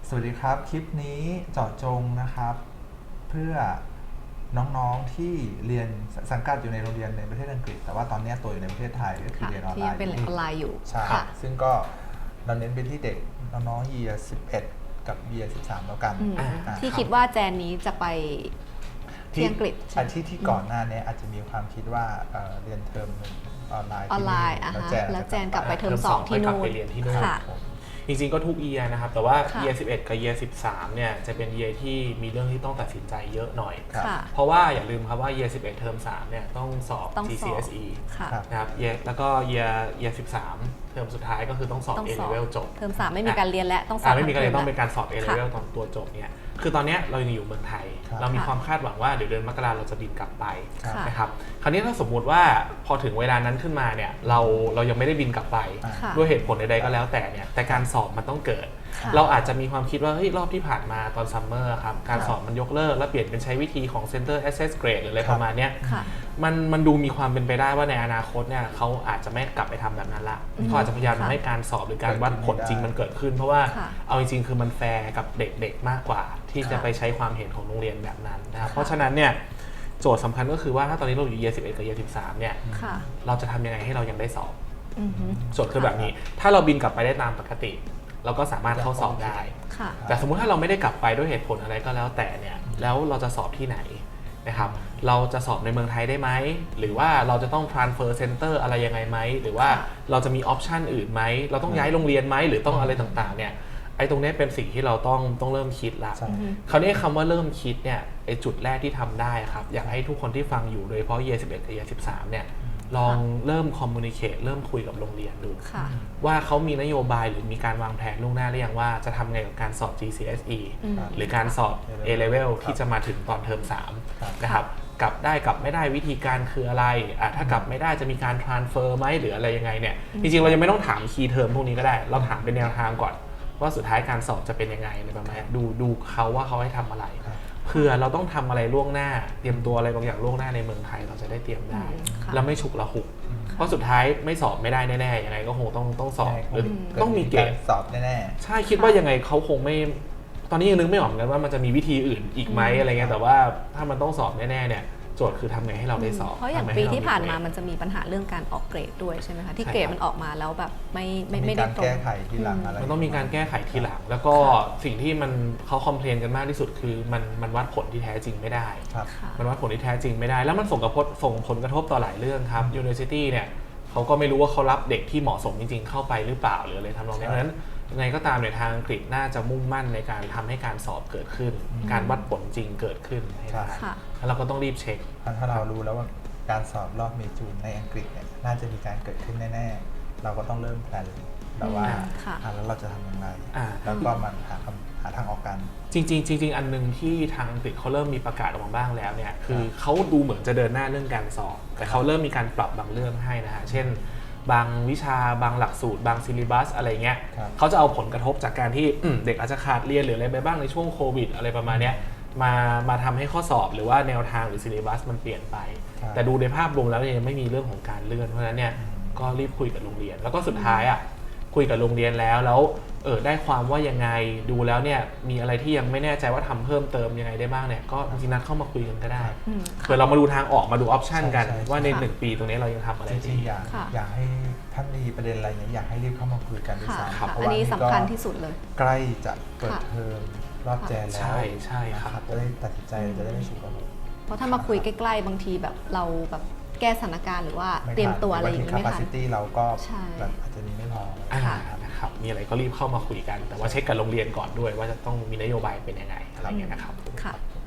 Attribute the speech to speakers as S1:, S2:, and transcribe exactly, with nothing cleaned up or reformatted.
S1: สวัสดีครับคลิปนี้เจาะจงนะครับเพื่อน้องๆที่เรียนสังกัดอยู่ในโรงเรียนในประเทศอังกฤษแต่ว่าตอนนี้ตัวอยู่ในประเทศไทยก็คือเรียนออนไลน์
S2: ที่เป็นออนไลน์อยู่
S1: ใช่ซึ่งก็เราเน้นไปที่เด็กน้องๆ year สิบเอ็ดกับ year สิบสามแล้วกัน
S2: ที่คิดว่าแจนนี้จะไปที่อังกฤษ
S1: ที่ที่ก่อนหน้านี้อาจจะมีความคิดว่าเรียนเทอมหนึ่งออนไลน์
S2: ออนไลน์แล้วแจนกลับไปเทอมสองที่นู่น
S3: ไปเรียนที่นู่นจริงๆก็ทุก year นะครับแต่ว่า year สิบเอ็ดกับ year สิบสามเนี่ยจะเป็น year ที่มีเรื่องที่ต้องตัดสินใจเยอะหน่อยเพราะว่าอย่าลืมครับว่า year สิบเอ็ดเทอมสามเนี่ยต้องสอบ จี ซี เอส อี นะครับแล้วก็ year year สิบสามเทอมสุดท้ายก็คือต้องสอบ A level จบ
S2: เทอมสามไม่มีการเรียนและต้องสอบ
S3: ไม่มีการเรียนต้องเป็นการสอบ A level ตอนตัวจบเนี่ยคือตอนนี้เรายังอยู่เมืองไทยเรามีความคาดหวังว่าเดี๋ยวเดือนมกราเราจะบินกลับไปนะครับคราวนี้ถ้าสมมุติว่าพอถึงเวลานั้นขึ้นมาเนี่ยเราเรายังไม่ได้บินกลับไปด้วยเหตุผลใดๆก็แล้วแต่เนี่ยแต่การสอบมันต้องเกิดเราอาจจะมีความคิดว่าเฮ้ยรอบที่ผ่านมาตอนซัมเมอร์ครับการสอบมันยกเลิกแล้วเปลี่ยนเป็นใช้วิธีของ Center Assess Grade หรืออะไรประมาณนี้มันมันดูมีความเป็นไปได้ว่าในอนาคตเนี่ยเขาอาจจะไม่กลับไปทำแบบนั้นละเขาอาจจะพยายามทำให้การสอบหรือการวัดผลจริงมันเกิดขึ้นเพราะว่าเอาจริงๆคือมันแฟร์กับเด็กๆมากกว่าที่จะไปใช้ความเห็นของโรงเรียนแบบนั้นนะครับเพราะฉะนั้นเนี่ยโจทย์สำคัญก็คือว่าถ้าตอนนี้เราอยู่ year สิบเอ็ดกับ year สิบสามเนี่ยเราจะทำยังไงให้เรายังได้สอบโจทย์คือแบบนี้ถ้าเราบินกลับไปได้ตามปกติเราก็สามารถเข้าสอบได้แต่สมมุติถ้าเราไม่ได้กลับไปด้วยเหตุผลอะไรก็แล้วแต่เนี่ยแล้วเราจะสอบที่ไหนนะครับเราจะสอบในเมืองไทยได้ไหมหรือว่าเราจะต้อง transfer center อะไรยังไงไหมหรือว่าเราจะมีออปชันอื่นไหมเราต้องย้ายโรงเรียนไหมหรือต้องอะไรต่างๆเนี่ยไอ้ตรงนี้เป็นสิ่งที่เราต้องต้องเริ่มคิดละคราวนี้คำว่าเริ่มคิดเนี่ยไอ้จุดแรกที่ทำได้ครับอยากให้ทุกคนที่ฟังอยู่โดยเฉพาะ year สิบเอ็ดกับ year สิบสามเนี่ยลองเริ่ม communicate เริ่มคุยกับโรงเรียนดูว่าเขามีนโยบายหรือมีการวางแผนล่วงหน้าหรือยังว่าจะทำไงกับการสอบ จี ซี เอส อี หรือการสอบ A level ที่จะมาถึงตอนเทอมสามนะครับกลับได้กลับไม่ได้วิธีการคืออะไรอ่ะถ้ากลับไม่ได้จะมีการ transfer ไหมหรืออะไรยังไงเนี่ยจริงๆเรายังไม่ต้องถาม key term พวกนี้ก็ได้เราถามเป็นแนวทางก่อนว่าสุดท้ายการสอบจะเป็นยังไงในประมาณดูดูเขาว่าเขาให้ทำอะไรเพื่อเราต้องทำอะไรล่วงหน้าเตรียมตัวอะไรบางอย่างล่วงหน้าในเมืองไทยเราจะได้เตรียมได้แล้วไม่ฉุกละหุกเพราะสุดท้ายไม่สอบไม่ได้แน่ๆยังไงก็คงต้องต้องสอบหรือต้องมีเกณฑ์
S1: สอบแน่
S3: ๆใช่คิดว่ายังไงเขาคงไม่ตอนนี้ยังนึกไม่ออกเหมือนกันว่ามันจะมีวิธีอื่นอีกไหมอะไรเงี้ยแต่ว่าถ้ามันต้องสอบแน่ๆเนี่ยโจทย์คือทำไงให้เราได้สอบ
S2: เพราะอย่างปีที่ผ่านมามันจะมีปัญหาเรื่องการออกเกรดด้วยใช่ไหมคะที่เกรดมันออกมาแล้วแบบไม่ไม่ไม่ได้ตรง
S1: แก้ไขทีหลังอะไร
S3: มันต้องมีการแก้ไขทีหลังแล้วก็สิ่งที่มันเขาคอมเพลนกันมากที่สุดคือมันมันวัดผลที่แท้จริงไม่ได้มันวัดผลที่แท้จริงไม่ได้แล้วมันส่งกระทบส่งผลกระทบต่อหลายเรื่องครับ University เนี่ยเขาก็ไม่รู้ว่าเขารับเด็กที่เหมาะสมจริงๆเข้าไปหรือเปล่าหรืออะไรทำนองนี้เพราะฉะนั้นยังไงก็ตามในทางอังกฤษน่าจะมุ่งมั่นในการทำให้การสอบเกิดขึ้นการวัดผลจริงเกิดขึ้นให้ได้แล้วเราก็ต้องรีบเช็ค
S1: ถ้าเรารู้แล้วว่าการสอบรอบเมจูนในอังกฤษเนี่ยน่าจะมีการเกิดขึ้นแน่ๆเราก็ต้องเริ่มแพลนแบบว่าแล้วเราจะทำยังไงแล้วก็มันหาหาทางออกกัน
S3: จริงๆจริงๆอันนึงที่ทางอังกฤษเขาเริ่มมีประกาศออกมาบ้างแล้วเนี่ยคือเขาดูเหมือนจะเดินหน้าเรื่องการสอบแต่เขาเริ่มมีการปรับบางเรื่องให้นะฮะเช่นบางวิชาบางหลักสูตรบางซิลิบัสอะไรเงี้ยเขาจะเอาผลกระทบจากการที่เด็กอาจจะขาดเรียนหรืออะไรไปบ้างในช่วงโควิดอะไรประมาณนี้มามาทำให้ข้อสอบหรือว่าแนวทางหรือซิลิบัสมันเปลี่ยนไปแต่ดูในภาพรวมแล้วยังไม่มีเรื่องของการเลื่อนเพราะฉะนั้นเนี่ยก็รีบคุยกับโรงเรียนแล้วก็สุดท้ายอ่ะคุยกับโรงเรียนแล้วแล้วเออได้ความว่ายังไงดูแล้วเนี่ยมีอะไรที่ยังไม่แน่ใจว่าทำเพิ่มเติมยังไงได้บ้างเนี่ยก็จริงๆนัดเข้ามาคุยกันก็ได้เพื่อเรามาดูทางออกมาดูออปชันกันว่าในหนึ่งปีตรงนี้เรายังทำอะไร
S1: ดีอยากอยากให้ท่านมีประเด็นอะไรเนี่ยอยากให้รีบเข้ามาคุยกันด้วยซ้ำ
S2: เพราะว่าอันนี้สำคัญที่สุดเลย
S1: ใกล้จะเปิดเทอมรอบแจนแล้ว
S3: ใช่ใช่ครับ
S1: จะได้ตัดสินใจจะได้ไม่ฉุกละหุก
S2: เพราะถ้ามาคุยใกล้ๆบางทีแบบเราแบบแก้สถานการณ์หรือว่าเตรียมตัวอะไรอย่างนี้ไม่ทัน
S1: capacity เราก็แบบอาจจะมีไม่พอ
S3: นะครับมีอะไรก็รีบเข้ามาคุยกันแต่ว่าเช็คกับโรงเรียนก่อนด้วยว่าจะต้องมีนโยบายเป็นยังไงอะไรเงี้ยนะครับ
S2: ค่ะ